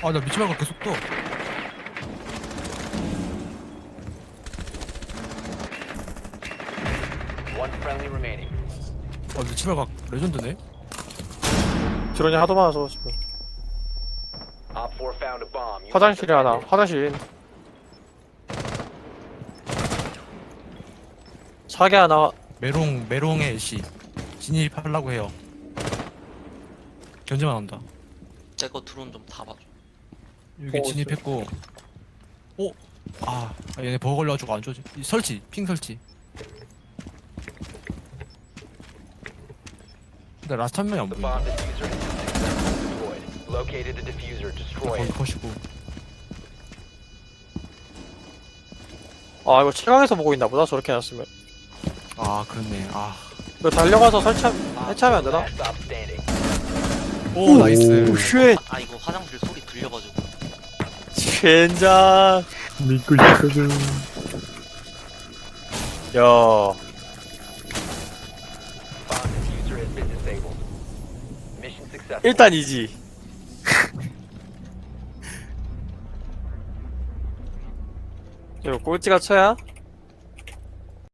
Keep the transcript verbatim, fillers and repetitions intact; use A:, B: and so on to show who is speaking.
A: 아, 나 미치 말고 계속 떠.
B: One friendly remaining.
A: 아, 미치 말고 레전드네.
C: 드론이 하도 많아서 지금.
B: Op four found a bomb. You
C: 화장실에 하나.
B: defended.
C: 화장실. 사계 하나.
A: 메롱, 메롱의 시. 진입하려고 해요. 견제만 한다.
D: 제거 드론 좀 다 봐줘.
A: 여기
C: 어,
A: 진입했고. 오! 아, 아, 얘네 버거 걸려가지고 안 좋지. 이 설치, 핑 설치. 근데 라스트 한 명이 안
B: The
A: 보인다.
B: bomb diffuser has been successfully deployed. Located the diffuser. Destroy
A: 거기
B: it.
A: 컷이고.
C: 아 이거 최강에서 보고 있나 보다 저렇게 해놨으면.
A: 아, 그렇네. 아.
C: 이거 달려가서 설치 해체하면 안 되나?
B: Last stop standing.
A: 오, 나이스.
C: 오 쉣.
D: 아 이거 화장실 소리 들려가지고.
C: 젠장.
E: 믿고 싶거든.
C: 야.
B: Bomb diffuser has been disabled. Mission successful.
C: 일단 이지. 이거 꼴찌가 쳐야